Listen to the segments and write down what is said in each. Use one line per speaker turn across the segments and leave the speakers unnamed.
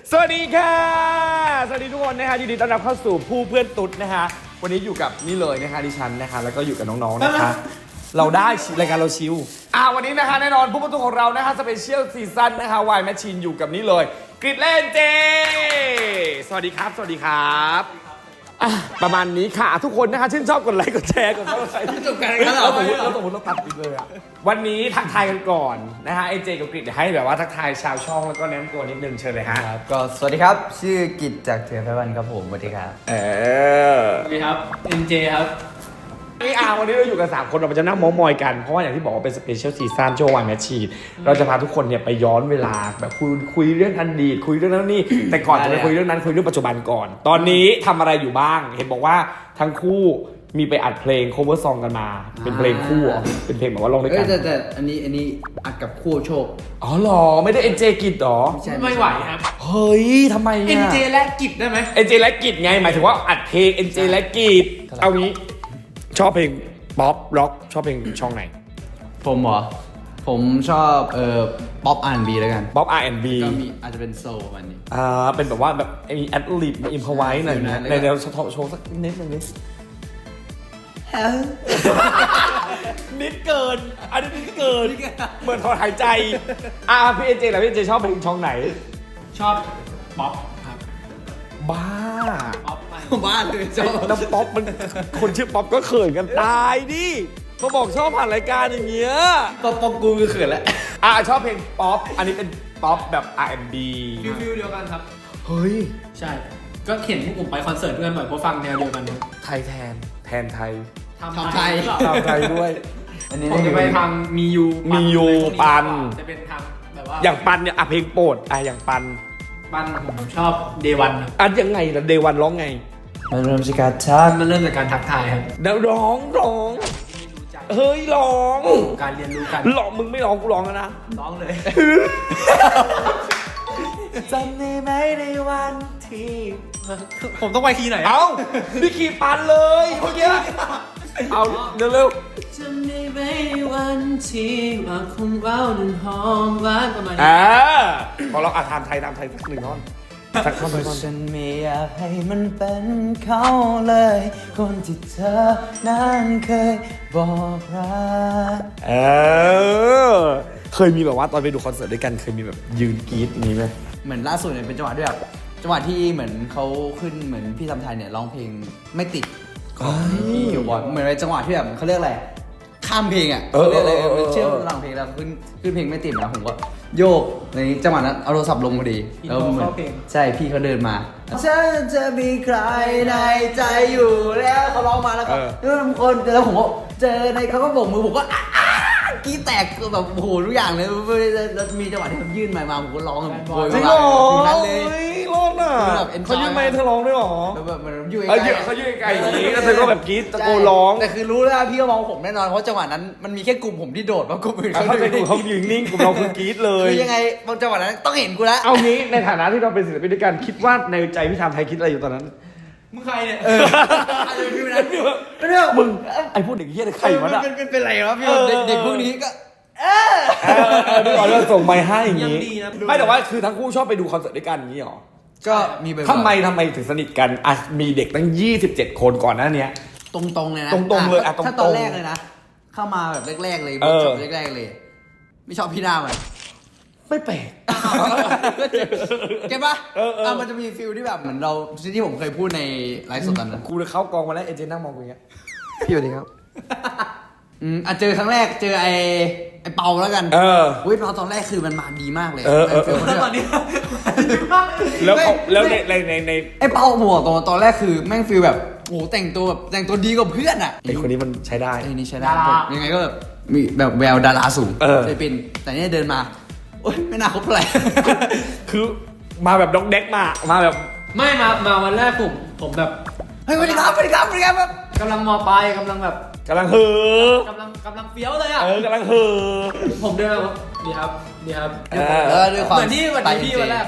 สวัสดีค่ะสวัสดีทุกคนนะฮะยินดีต้อนรับเข้าสู่ผู้เพื่อนตุ๊ดนะฮะวันนี้อยู่กับนี่เลยนะคะดิฉันนะคะแล้วก็อยู่กับน้องๆนะคะเราได้รายการเราชิววันนี้นะคะแน่นอนผู้ประตูของเรานะคะสเปเชียลซีซั่นนะคะวายแมชชีนอยู่กับนี่เลยกริดเล่นเจสวัสดีครับสวัสดีครับประมาณนี้ค่ะทุกคนนะคะชื่นชอบกดไลค์กดแชร์กดซับสไครต์ที่จบกันแล้วสมมติเราตัดอีกเลยวันนี้ทักทายกันก่อนนะฮะเจกับกริดให้แบบว่าทักทายชาวช่องแล้วก็แนะนำตัวนิดนึงเชิญเลยฮะ
ครับก็สวัสดีครับชื่อกิจจากเถื่อนไพวันครับผมสวัสดีครับ
สวัสดีครับ NJ ครับ
นี่วันนี้เราอยู่กัน3คนเราจะนั่งมอยกันเพราะว่าอย่างที่บอกว่าเป็นสเปเชียลซีซั่นช่วงวันแมชชีนเราจะพาทุกคนเนี่ยไปย้อนเวลาแบบคุยเรื่องอดีตคุยเรื่องนั้นนี่แต่ก่อนจะไปคุยเรื่องนั้นคุยเรื่องปัจจุบันก่อนตอนนี้ทำอะไรอยู่บ้างเห็นบอกว่าทั้งคู่มีไปอัดเพลง cover song กันมาเป็นเพลงคู่เป็นเพลงแบบว่าลงด้วยกัน
แต่อันนี้อัดกับคู่โชค
อ๋อหรอไม่ได้ NJ กิจหรอ
ไม่ไหวครับ
เฮ้ยทำไมอะ
NJ และกิจได้ไหม
NJ และกิจไงหมายถึงว่าอัดเพลง NJ และกิจเอางี้ชอบเพลงป๊อปร็อกชอบเพลงช่องไหน
ผมเหรอผมชอบป๊อป R&B แล้วกัน
ป๊อป R&B
ก็มีอาจจะเป็นโซลวันนี้
เป็นแบบว่าแบบมีแอดลิบมีอิมพอไว้หน่อยนะในแนวโชว์สักนิดนึงนิดนิดเกินอันนี้นิดเกินเหมือนถอนหายใจพี่เอเจแล้วพี่เอเจชอบเพลงช่องไหน
ชอบป๊อปครับ
บ้า
ป๊อป
บ้าเลยชอบ
แล้วป๊อปมันคนชื่อป๊อปก็เขินกันตายดิเขาบอกชอบผ่านรายการอย่างเงี้ย
ป๊อปกูคือเขินแล้ว
ชอบเพลงป๊อปอันนี้เป็นป๊อปแบบ R&B
ฟิลเดียวกันครับ
เฮ้ย
ใช่ก็เห็นพวกผมไปคอนเสิร์ตด้วยบ่อยเพราะฟังแนวเดียวกันครับ
ไทยแทนไทย
ทำไท
ยด้วย
ผมจะไปทางมียู
ปัน
จะเป็นทางแบบว่า
อย่างปันเนี่ยเพลงโปรดอย่างปัน
ผมชอบเดวัน
ยังไงล่ะเดวันร้องไง
มันเริ่มจากการทัก
มันเริ่มจากการทักทายครับ
แล้วร้องเฮ้ยร้อง
การเรียนรู้กัน
ร้องมึงไม่ร้องกูร้องแล้วนะ
ร้องเลย
จำได้ไหมในวันที่
ผมต้องไปคีย์ไหน
พี่คีย์ปันเลยเมื่อกี้เอาเร็ว
จำได้ไหมในวันที่ว่าคุณเราหนึ่งหอมหวานประมาณนี้
พอเราทำไทยสักหนึ่งท่อนสักท่อนไปก่อน
ฉันไม่อยากให้มันเป็นเขาเลย คนที่เธอนั้นเคยบอกรัก
เคยมีแบบว่าตอนไปดูคอนเสิร์ตด้วยกันเคยมีแบบยืนกรี๊ดอย่างนี้ไหม
เหมือนล่าสุดเนี่ยเป็นจังหวะด้วยแบบจังหวะที่เหมือนเขาขึ้นเหมือนพี่ทำไทยเนี่ยร้องเพลงไม่ติดของพี่คิวบอลเหมือนในจังหวะที่แบบเขาเรียกอะไรข้ามเพลงอ่ะเรียกอะไรเชื่อมระหว่างเพลงแล้วขึ้นเพลงไม่ติดนะผมก็โยกในจังหวะนั้นเอาโทรศัพท์ลงพอดี
แล้วเหมือน
ใช่พี่เขาเดินมาฉันจะมีใครในใจอยู่แล้วเขาร้องมาแล้วก็ทุกคนแล้วผมก็เจอในเขาก็โบกมือผมก็กี้แตกแบบโอ้โหทุกอย่างเลยแล้วมีจังหวะที่เขายื่นไมค์มาผมก็ร้องแบบโวย
จริงเหรอนั้นเลยร้องอ่ะเขายื่นไมค์เธอร้องด้วยหรอ
แบบมันยื่น
เขายื่นไกลอย่างนี้แล้วเธอก็แบบกรี๊ดตะโกนร้อง
แต่คือรู้แล้วพี่ก็มองผมแน่นอนเพราะจังหวะนั้นมันมีแค่กลุ่มผมที่โดดมากลุ่มอื่น
เขาเป็นกลุ่มเขายืนนิ่งกลุ่มเราคือกรี๊ดเลย
คือยังไงบางจังหวะนั้นต้องเห็นกูแล้ว
เอางี้ในฐานะที่เราเป็นศิลปินด้วยกันคิดว่าในใจพี่ทำไทยคิดอะไรอยู่ตอนนั้น
มึงใครเนี่ย
พี่นั้นไม่รู้
มึงไอ้พวกเด็กเหี้ยใครวะน่ะ
เป็นไรวะพี่เด็กพวกนี้ก็
พี่ขอเริ่มส่งไมค์ให้อย่างนี้ไม่แต่ว่าคือทั้งคู่ชอบไปดูคอนเสิร์ตด้วยกันอย่างนี้หรอ
ก็มี
ทำไมถึงสนิทกันมีเด็กตั้ง27คนก่อนหน้านี้
ตรงๆเลยนะ
ตรงๆเลย
ถ้าตอนแรกเลยนะเข้ามาแบบแรกๆเลยจบแรกๆเลยไม่ชอบพี่หน้ามัน
ไม่แปลก
เก็บปะมันจะมีฟิลที่แบบเหมือนเราที่ผมเคยพูดในไลฟ์สดตอนนั้น
กูเลยเข้ากองมาแล้วเอเจนนั่งมองกูอย่างเงี้ย
พี่สวัสดีครับเจอครั้งแรกเจอไอ้เปาแล้วกันเปาตอนแรกคือมันมาดีมากเลย
แล้วตอนนี้
แล้วใน
ไอ้เปาหัวตอนแรกคือแม่งฟีลแบบโอ้แต่งตัวดีกว่าเพื่อนอ่ะ
ไอ้คนนี้มันใช้ได้
ไอ้นี่ใช้ได้ยังไงก็แบบมีแบบแววดาราสูงเลยเป็นแต่เนี่ยเดินมาโอ๊ยไม่น่าคบอะไร
คือมาแบบด็อกเด็กมาแบบ
ไม่มาวันแรกผมแบบ
เฮ้ยสวัสดีครับแบบ
กำลังมอปลายกำลังแบบ
กำลังเฮ่
อกำลังเฟี้ยวเลยอ่ะ
กำลังเฮ่อ
ผมเดินมาดีครับ
ด้วยความ
เหมือนที่วันที่พี่วันแรกอ่ะ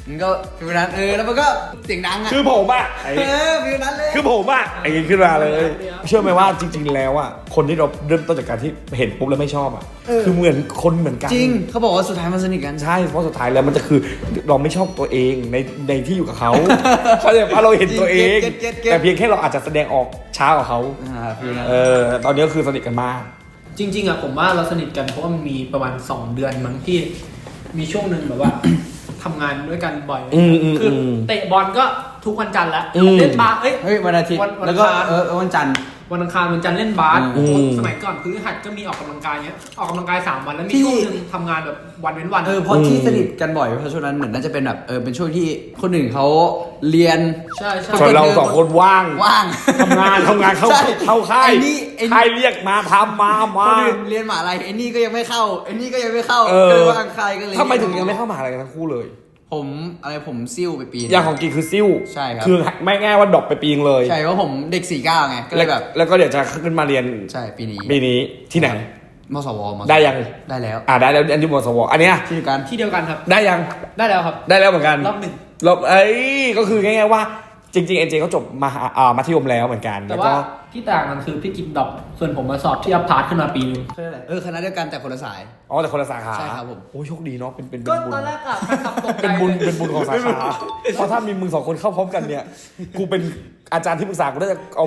มันก็ฟิวนั้นแล้วมันก็เสียงดังอ่ะ
คือผมอะไอ้
ฟิวนั้นเลย
คือผมอะไอ้ขึ้นมาเลย เชื่อไหมว่าจริง ๆ แล้วอะคนที่เราเริ่มต้นจากการที่เห็นปุ๊บแล้วไม่ชอบอะคือเหมือนคนเหมือนกัน
จริงเขาบอกว่าสุดท้ายมันสนิทกัน
ใช่เพราะสุดท้ายแล้วมันจะคือเราไม่ชอบตัวเองในที่อยู่กับเขา เขาใจว่าเราเห็นตัวเอง
เก็ต
แต่เพียงแค่เราอาจจะแสดงออกช้ากว่าเขา
ฟิวนั้น
ตอนนี้ก็คือสนิทกันมาก
จริงๆอะผมว่าเราสนิทกันเพราะว่ามันมีประมาณ2 เดือนมั้งที่มีช่วงหนึ่งแบบว่า ทำงานด้วยกันบ่อย คือเตะบอลก็ทุกวันจันทร์แล้วเล่นบาสเอ้ย
วันอาทิตย์
วัน
แล้วก็
อังคาร
วันจันทร์
วันอังคารวันจันทร์เล่นบาส สมัยก่อนพฤหัสก็มีออกกำลังกายเนี้ยออกกำลังกาย3 วันแล้วมีช่วงหนึงทำงานแบบวันเว้นวัน
เพราะที่สนิทกันบ่อยเพราะช่วงนั้นเหมือนน่าจะเป็นแบบเป็นช่วงที่คนอื่นเขาเรียน
ใช่ใช่
ส่วนเราสองคนว่าง ทำงานเข้า
ใช่
ค่าย
ไอ้นี่
ค่ายเรียกมาทำมา
คนอื่นเรียนมหาลัยไอ้นี่ก็ยังไม่เข้าไอ้นี่ก็ยังไม่เข้า
เอ
ก็
อ
เลยว่างใครก็เลย
ทำไมถึงยังไม่เข้ามหาลัยกันทั้งคู่เลย
ผมซิ่วไปปี
อย่างของกีคือซิ่ว
ใช่ครับ
คือไม่ง่ายว่าดรอปไปปีนึงเลย
ใช่เพราะผมเด็ก49ไงก็เลยแบบ
แล้วก็เดี๋ยวจะขึ้นมาเรียน
ใช่ปีนี้
ปีนี้ที่ไหน
มสว
ได้ยัง
ได้แล้ว
ได้แล้วอันที่มสวอันเนี้ย
ที่เดียวกัน
ที่เดียวกันครับ
ได้ยัง
ได้แล้วครับ
ได้แล้วเหมือนกัน
รอบหนึ่ง
ก็คือง่ายๆว่าจริงๆเอ็นเจเขาจบมัธยมแล้วเหมือนกัน
แต่
แล้ว
ว่า
ก็
ที่ต่างกันคือพี่กินดรอปส่วนผมมาสอบที่อัพพาร์ทขึ้นมาปีนึง
คณะเดียวกันแต่คนละสาย
แต่คนละสาขา
ใช่ครับผม
โอ้ยโชคดีเนาะเป็นบุญ
ก็ตอนแรกอะแฟนคลับตกใจ
เป็นบุญ
เลย
เป็นบุญของสาขาเพราะถ้ามีมึงสองคนเข้าพร้อมกันเนี่ยกูเป็นอาจารย์ที่ปรึกษากูน่าจะเอา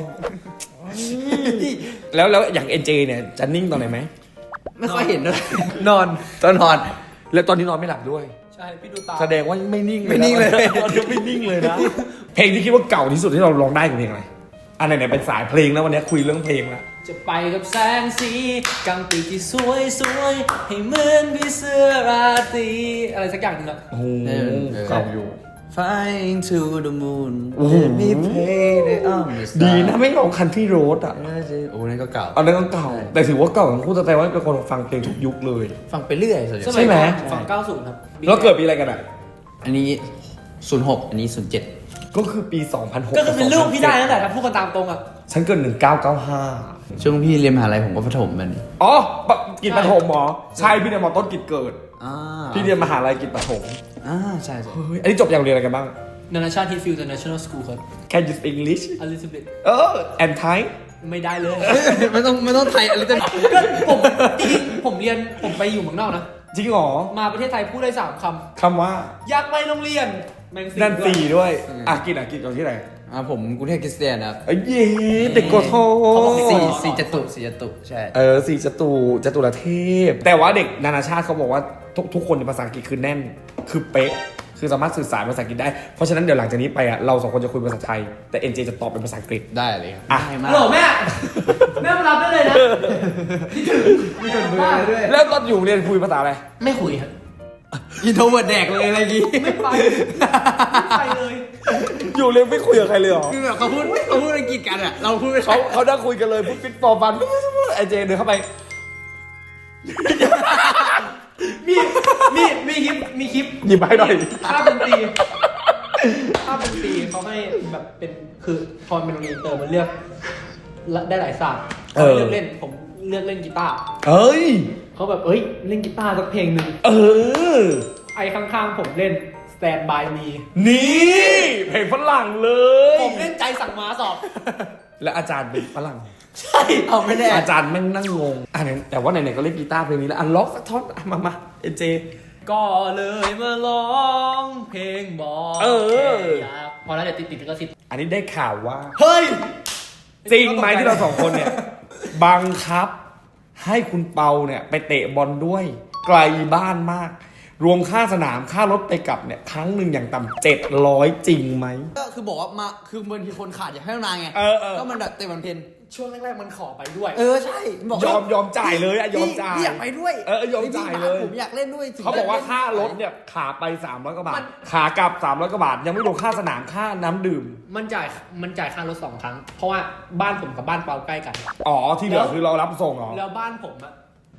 แล้วอย่างเอ็นเจเนี่ยจะนิ่งตอนไหนไหม
ไม่ค่อยเห็นด้วยนอนตอนนอน
แล้วตอนนี้นอนไม่หลับด้วย
ใช่พี่ดูตา
แสดงว่าไม่นิ่งเลย
ไม่นิ่งเลย
ตอนนี้ไม่นิ่งเลยนะ เพลงที่คิดว่าเก่าที่สุดที่เราร้องได้คือเพลงอะไรอันไหนเป็นสายเพลงแล้ววันนี้คุยเรื่องเพลงแล้ว
จะไปกับแสงสีกลางปีกที่สวยสวยให้เหมือนพี่เสื้อราตรีอะไรสักอย่างหนึงอะ
โอ้โหเก่าอยู่
Flying to the moon
โอ้โห
Let me play the on the star
ดีนะไม่ร้องคันที่โรดอ่ะ
โอ้นั่นก็เก่า
อันนั้นก็เก่า แต่ถือว่าเก่าทั้งคู่แต่ว่าเป็นคนฟังเพลงทุกยุคเลย
ฟังไปเรื่อยส่วนใหญ่
ส
ใช่
มัย
ไหม
ก่อนฝั่ง90 ครับ
แล้วเกิดปีอะไรกันอ่ะ
อันนี้ 06 อันนี้ 07
ก็คือปี 2006
ก็คือเป็นลูกพี่ได้ตั้งแต่ถ้าพูดกันตามตรงอะ
ฉันเกิด1995
ช่วงพี่เรียนมหาลัยผมก็ประถมมัน
อ๋อกิจปฐมหมอใช่พี่เรียนมอต้นกิจเกิด
อ่า
พี่เรียนมหาลัยกิจปฐม
ใช่ใช่
เฮ้ยอันนี้จบอย่างเรียนอะไรกันบ้าง
นานาชาติฮิตฟิลด์ International School ครับ
Can you speak English
a little bit
and Thai
ไม่ได้เลย
ไม่ต้องไทยอะไรจะ
ก็ผมจริงๆผมไปอยู่เมืองนอกนะ
จริงเหรอ
มาประเทศไทยพูดได้3 ค
คำว่า
ำอยากไปโรงเรียนแมง
นั่น
ด้วย
4ด้วยกิจอยู่ที่ไหน
ผมกรุงเทพคริสเตียนครับ
เอ้ยเย้เด็กโกโท
สี่จตุใช่
สี่จตุรเทพ แต่ว่าเด็กนานาชาติเขาบอกว่าทุกคนในภาษาอังกฤษคือแน่น คือเป๊ะ คือสามารถสื่อสารภาษาอังกฤษได้ เพราะฉะนั้นเดี๋ยวหลังจากนี้ไปอ่ะเราสองคนจะคุยภาษาไทย แต่ NJ จะตอบเป็นภาษาอังกฤษ
ได้เลยครับ
อ่ะ
ง่ายมา
ฮั
ก
ลโหลแม่ แม่มารับได้เลยนะคิดถึง
มีคนเบอร์ด้วย
แล้วตอนอยู่เรียนคุยภาษาอะไร
ไม่คุยครับ
อินโทรเวิร์ดแดกเลยอะไรกี้
ไม่ไปไม่ไปเลย
อยู่เรียนไม่คุยกับใครเลยเหรอ
คือแบบเขาพูดอังกฤษกันอ่ะเราพูดไม่
เขาได้คุยกันเลยพูดฟิตฟอร์ฟันไอเจเดินเข้าไป
มีคลิป
หยิบมาให้หน่อย
ภาพดนตรีเขาให้แบบเป็นคือพอเป็นโรงเรียนอินเตอร์มันเลือกได้หลายศาสตร์เขาเลือกเล่นผมเลือกเล่นกีตาร์
เอ้ย
เขาแบบเล่นกีตาร์สักเพลงหนึ่ง ไอ้ข้างๆผมเล่น Stand by Me
นี่เพลงฝรั่งเลย
ผมเล่นใจสั่งม้าสอบ
และอาจารย์เป็นฝรั่ง
ใช่
เอาไม่แน่
อาจารย์แม่งนั่งงงแต่ว่าไหนๆก็เล่นกีตาร์เพลงนี้แล้วล็อกสักท่อนมาเอ็นเจ
ก็เลยมาร้องเพลงบอกอยากพอแล้วเดี๋ยวติดก็สิทธิ์
อันนี้ได้ข่าวว่า
เฮ้ย
จริงไหมที่เราสองคนเนี่ย บังคับให้คุณเปาเนี่ยไปเตะบอลด้วย ไกลบ้านมาก รวมค่าสนามค่ารถไปกลับเนี่ยครั้งหนึ่งอย่างต่ำ700จริงไหม
ก็คือบอกว่ามาคือบางทีคนขาดอยากให้นานไง ก็มันแบบเตะวันเพน
ช่วงแรกๆมันขอไปด้วย
ใช่บอก
ยอมจ่ายเลยอะยอมจ่าย
พี่อยากไปด้วย
ยอมจ่ายเลย
ผมอยากเล่นด้วย
เขาบอกว่าค่ารถเนี่ยขาไป300กว่าบาทขากลับ300กว่าบาทยังไม่รวมค่าสนามค่าน้ำดื่ม
มันจ่ายค่ารถ2 ครั้ง เพราะว่าบ้านผมกับบ้านเปาใกล้กัน
ที่เหลือคือเรารับส่งเหรอ
แล้วบ้านผมอะ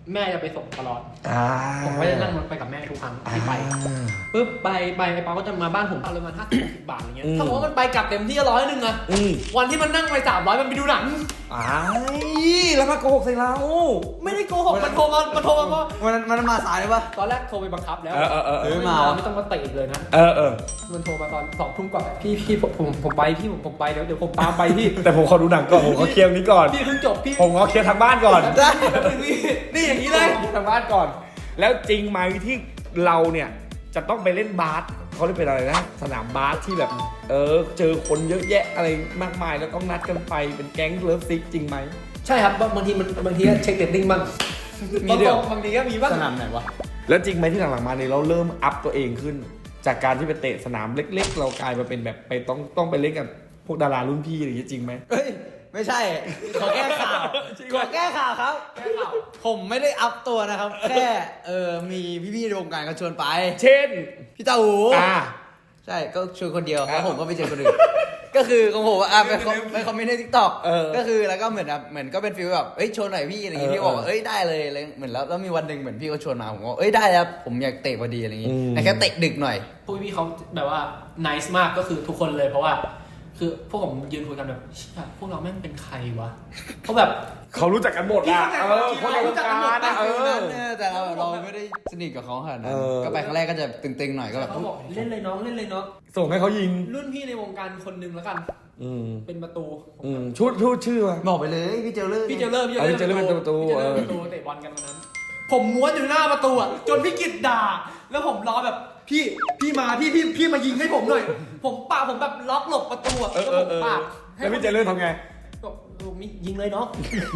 แม่จะไปส่งตลอด
ๆ
ผมก็จะนั่งรถไปกับแม่ทุกครั้งที่ไปปุ๊บไปไอ้ปาก็จะมาบ้านผมประมาณ50-60 บาทอะไรเงี้ยถ้าบอกว่ามันไปกลับเต็มที่100นึงอะวันที่มันนั่งไป300มันไปดูหนัง
แล้วมาโกหกใส่เรา
ไม่ได้โกหกมันโทรมาเพราะ
มันมาสายเลยปะ
ตอนแรกโทรไปบังคับแล้ว ไม่ต้องมาเตะอีกเลยนะมันโทรมาตอน2 ทุ่มกว่าพี่ผมไปพี่ผมไปเดี๋ยวผมตามไปพี่
แต่ผมขอดูหนังก่อนผมขอเคลียร์นี้ก่อน
พี่เพิ่งจบพี่
ผมขอเคลียร์ทางบ้านก่อน
ได้
นี่อย่างนี้เลย
ทางบ้านก่อน แล้วจริงไหมที่เราเนี่ยจะต้องไปเล่นบาสเขาเรียกเป็นอะไรนะสนามบาสที่แบบเจอคนเยอะแยะอะไรมากมายแล้วต้องนัดกันไปเป็นแก๊งเลิฟซิกจริงไหม
ใช่ครับบางทีก็เช็คเรตติ้งบ้าง
มีเดี๋ยว
บางทีก็มีบ้าง
สนามไหนวะ
แล้วจริงไหมที่หลังๆมาเนี่ยเราเริ่มอัพตัวเองขึ้น จากการที่ไปเตะสนามเล็กๆ เรากลายมาเป็นแบบไปต้องไปเล่นกับพวกดารารุ่นพี่อะไรอย่างเงี้ยจริงไหม
เฮ้ยไม่ใช่ขอแก้ข่าวขอแก้ข่าวครับ ผมไม่ได้อัพตัวนะครับ แค่มีพี่ๆในวงการเขาชวนไป
เช่น
พี่เต้าหู ใช่ก็ชวนคนเดียวแล้วผมก็ไปเจอคนอื่น ก็คือของผมไปคอมเมนต์ในทิกตอกก็คือแล้วก็เหมือนก็เป็นฟีลแบบเอ้ยชวนหน่อยพี่อะไรอย่างงี้พี่บอกว่าเอ้ยได้เลยอะไรเหมือนแล้วมีวันหนึ่งเหมือนพี่เขาชวนมาผมก็เอ้ยได้แล้วผมอยากเตะพอดีอะไรอย่างงี้แต่แค่เตะดึกหน่อย
พวกพี่เขาแบบว่า nice มากก็คือทุกคนเลยเพราะว่า คือพวกผมยืนคุยกันแบบพวกเราแม่งเป็นใครวะเพราะแบบ
เขารู้จักกันหมดนะคนในวงการนะ
แต่เราไม่ได้สนิทกับเขาขนาดนั้นก็ไปครั้งแรกก็จะตึงๆหน่อยก็แบบ
เขาบอกเล่นเลยน้องเล่นเลยน้อง
ส่งให้เขายิง
รุ่นพี่ในวงการคนหนึ่งแล้วกันเป็นประตู
ชุดชื่อมา
บอกไปเลยพี่เจลเลอร์
พี่เจเลอร์
พี่เจเลอร์เป็นประตู
เตะบอลกันวันนั้น ผมม้วนอยู่หน้าประตูอ่ะจนพี่กิตด่าแล้วผมรอแบบพี่มาพี่มายิงให้ผมหน่อยผมแบบล็อกหลบประตูอ่ะแล้วผมปาก
แล้วพี่เจเลอร์ทำไง
ก็ยิงเลยเนาะ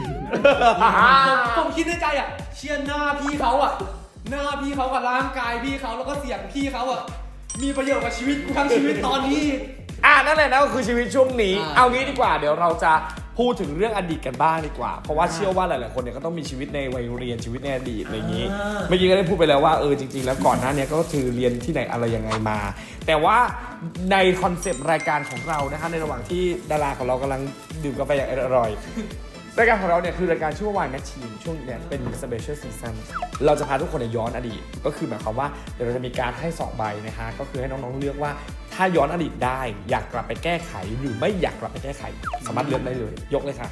ผมคิดในใจอ่ะเชียร์หน้าพี่เขาอ่ะหน้าพี่เขากับร่างกายพี่เขาแล้วก็เสียงพี่เขาอ่ะมีประโยชน์กับชีวิตกูทั้งชีวิตตอนนี้
นั่นแหละนะก็คือชีวิตช่วงนี้เอางี้ดีกว่าเดี๋ยวเราจะพูดถึงเรื่องอดีตกันบ้างดีกว่าเพราะว่าเชื่อว่าหลายๆคนเนี่ยก็ต้องมีชีวิตในวัยเรียนชีวิตในอดีตอะไรอย่างนี้เมื่อกี้ก็ได้พูดไปแล้วว่าจริงๆแล้วก่อนหน้านี้ก็คือเรียนที่ไหนอะไรยังไงมา แต่ว่าในคอนเซปต์รายการของเรานะคะในระหว่างที่ดาราของเรากำลังดื่มกาแฟอย่างอร่อยรายการของเราเนี่ยคือรายการชื่อว่า Wine Machine ช่วงเนี่ยเป็น Special Season เราจะพาทุกคนย้อนอดีตก็คือหมายความว่าเดี๋ยวเราจะมีการให้2ใบนะคะก็คือให้น้องๆเลือกว่าถ้าย้อนอดีตได้อยากกลับไปแก้ไขหรือไม่อยากกลับไปแก้ไขสามารถเลือกได้เลยยกเลยค่ะ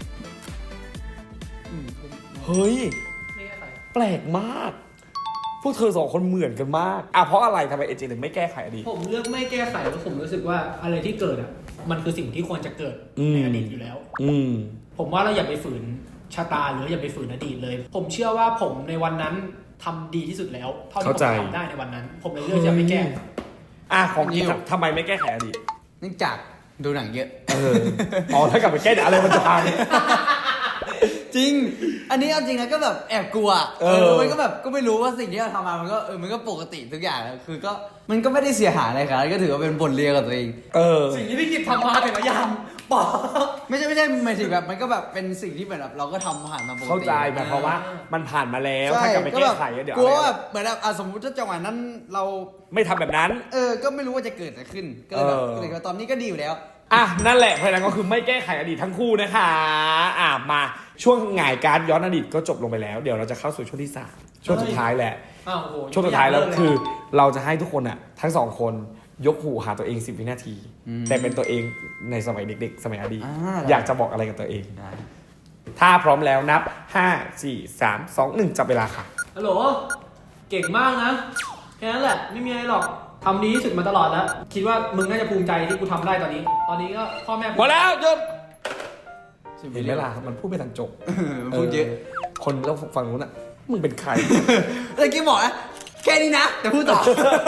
เฮ้ยแปลกมากพวกเธอ2คนเหมือนกันมากเพราะอะไรทำไมเอเจถึงไม่แก้ไขอดีต
ผมเลือกไม่แก้ไขเพราะผมรู้สึกว่าอะไรที่เกิดอ่ะมันคือสิ่งที่ควรจะเกิดในอดีตอยู่แล้วผมว่าเราอย่าไปฝืนชะตาหรืออย่าไปฝืนอดีตเลยผมเชื่อว่าผมในวันนั้นทำดีที่สุดแล้วเท่าที่ผมทำได้ในวันนั้นผมเลยเลือกจะไม่แก้
ของจริงทำไมไม่แก้ไขอดีต
เนื่องจากดูหนังเยอะ
ถ้ากลับไปแก้อะไรมันจะพัง
จริงอันนี้เอาจริงนะก็แบบแอบกลัวมันก็แบบก็ไม่รู้ว่าสิ่งที่เราทำมามันก็ปกติทุกอย่างคือก็มันก็ไม่ได้เสียหายอะไรครับก็ถือว่าเป็นบทเรียนกับตัวเอง
สิ่งที่พี่กิจทำมาแต่ละอย่างบอก
ไม่ใช่หมายถึงแบบมันก็แบบเป็นสิ่งที่แบบเราก็ทำผ่านมาปกติ
เข้าใจแบบเพราะว่ามันผ่านมาแล้วถ้ากลับไปแก้ไขเดี๋ยว
กลัวแบบเหมือนแบบสมมติถ้าจังหวะนั้นเรา
ไม่ทำแบบนั้น
ก็ไม่รู้ว่าจะเกิดอะไรขึ้นก็เลยแบบตอนนี้ก็ดีอยู่แล้ว
นั่นแหละเพราะนั้นก็คือไม่แก้ไขอดีตทั้งคู่นะคะมาช่วงหงายการย้อนอดีตก็จบลงไปแล้วเดี๋ยวเราจะเข้าสู่ช่วงที่3ช่วงสุดท้ายแหละช่วงสุดท้ายแล้วคือเราจะให้ทุกคนทั้ง2คนยกหูหาตัวเอง10 วินาทีแต่เป็นตัวเองในสมัยเด็กๆสมัยอดีตอยากจะบอกอะไรกับตัวเองถ้าพร้อมแล้วนับ5 4 3 2 1จับเวลาค่ะ
ฮัลโหลเก่งมากนะแค่นั้นแหละไม่มีอะไรหรอกทำดีที่สุดมาตลอดแล้วคิดว่ามึงน่าจะภูมิใจที่กูทำได้ตอนนี้ก็พ่อแม่
หมดแล้วหยุดเห็นไหมล่ะมันพูดไปทางจบ
พูดเยอะ
คนแล้วฟังนู้นมึงเป็นใคร
เมื่อกี้บอกนะแค่นี้นะแต่พูดต่อ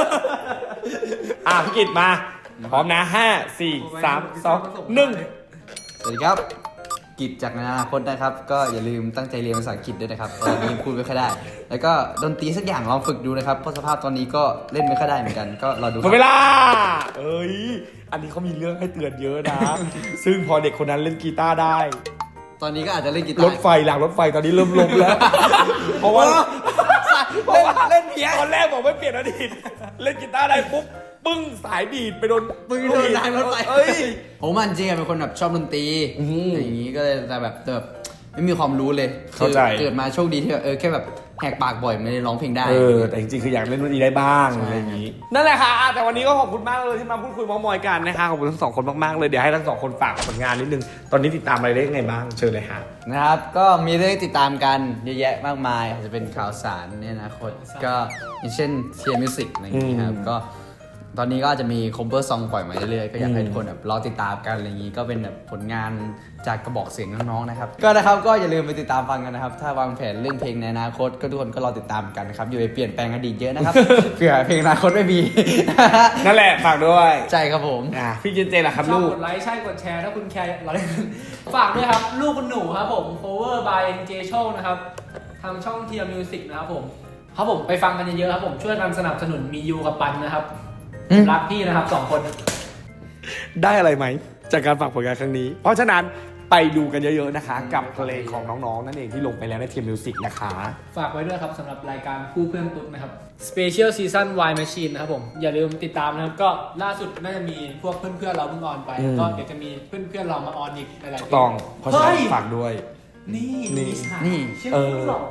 พี่กิตมาพร้อมนะ5 4 3 2 1
สวัสดีครับกิจจากอนาคตนะครับก็อย่าลืมตั้งใจเรียนภาษาอังกฤษด้วยนะครับตอนนี้พูดไม่ค่อยได้แล้วก็ดนตรีสักอย่างลองฝึกดูนะครับเพราะสภาพตอนนี้ก็เล่นไม่ค่อยได้เหมือนกันก็รอดู
หมดเวลาอันนี้เขามีเรื่องให้เตือนเยอะนะซึ่งพอเด็กคนนั้นเล่นกีตาร์ได้
ตอนนี้ก็อาจจะเล่นกีตาร์
รถไฟหลังรถไฟตอนนี้เริ่มล้มแล้วเพราะว่า
เล่นเพี้ย
ตอนแรกบอกไม่เปลี่ยนอดีตเล่นกีตาร์ได้ปุ๊บปึ้งสายดีดไปโดน
รางรถไฟผมจริงๆเป็นคนแบบชอบดนตรีอย่างนี้ก็เลยแต่แบบไม่มีความรู้เลย
เข้าใจ
คือเกิดมาโชคดีที่แบบแค่แบบแหกปากบ่อยไม่ได้ร้องเพลงได้
แต่จริงๆคืออยากเล่นดนตรีได้บ้าง
ใช่
อะไรอย่างนี้นั่นแหละค่ะแต่วันนี้ก็ขอบคุณมากเลยที่มาพูดคุยเมามอยกันนะคะขอบคุณทั้งสองคนมากๆเลยเดี๋ยวให้ทั้งสองคนฝากผลงานนิดนึงตอนนี้ติดตามอะไรได้ยังไงบ้างเชิญเลยค่ะ
นะครับก็มีเรื่องติดตามกันเยอะแยะมากมายอาจจะเป็นข่าวสารในอนาคตก็อย่างเช่นเทียร์มิวสิกอะไรอย่างนี้ครับก็ตอนนี้ก็อาจจะมีคอมเ e อร์ซองปล่อยมาเรื่อยๆก็อยากให้ทุกคนแบบรอติดตามกันอะไรอย่างนี้ก็เป็นแบบผลงานจากกระบอกเสียงน้องๆนะครับก็นะครับก็อย่าลืมไปติดตามฟังกันนะครับถ้าวางแผนเรื่องเพลงในอนาคตก็ทุกคนก็รอติดตามกันนะครับอย่าไปเปลี่ยนแปลงอดีตเยอะนะครับ เผื่อเพลงอนาคตไม่มี
นั่นแหละฝากด้วย
ใช่ครับผม
พี่เจนเจล่ะครับ
ชอบ
ลูก
กดไลค์ใช่กดแชร์ถ้าคุณแคร์เราเลยฝากด้วยครับ ลูกคุณหนูครับผม cover by NJ Show นะครับทางช่อง Tia Music นะครับผมครับผมไปฟังกันเยอะๆครับผมช่วยกันสนับสนุนมียูกับปันนะครับรักพี่นะครับ2 คน
ได้อะไรไหมจากการฝากผลงานครั้งนี้ เพราะฉะนั้นไปดูกันเยอะๆนะคะ กับเพลงของน้องๆนั่นเองที่ลงไปแล้วในเทียมมิวสิกนะคะ
ฝากไว้ด้วยครับสำหรับรายการคู่เพื่อนตุ๊ดนะครับ Special Season Y Machine นะครับผมอย่าลืมติดตามนะครับก็ล่าสุดน่าจะมีพวกเพื่อนๆเราเพิ่งออนไปแล้วก็เดี๋ยวจะมีเพื่อนๆเรามาออนอีกหลายๆเพล
ต้องเพราะฉะนั้น
เฮ้ย
ฝากด้วย
นี่
นี่
มีฉาก
นี่
เชื่อ
เอ
ไหม
อ
หรอ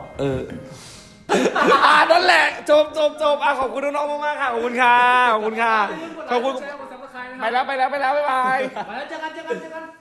นั่นแหละจบขอบคุณน้องๆมากๆค่ะขอบคุณค่ะขอบคุณค่ะขอบคุณ
กด Subscribe นะครับ
ไปแล้วบ๊ายบาย
ไปแล้วเจอกัน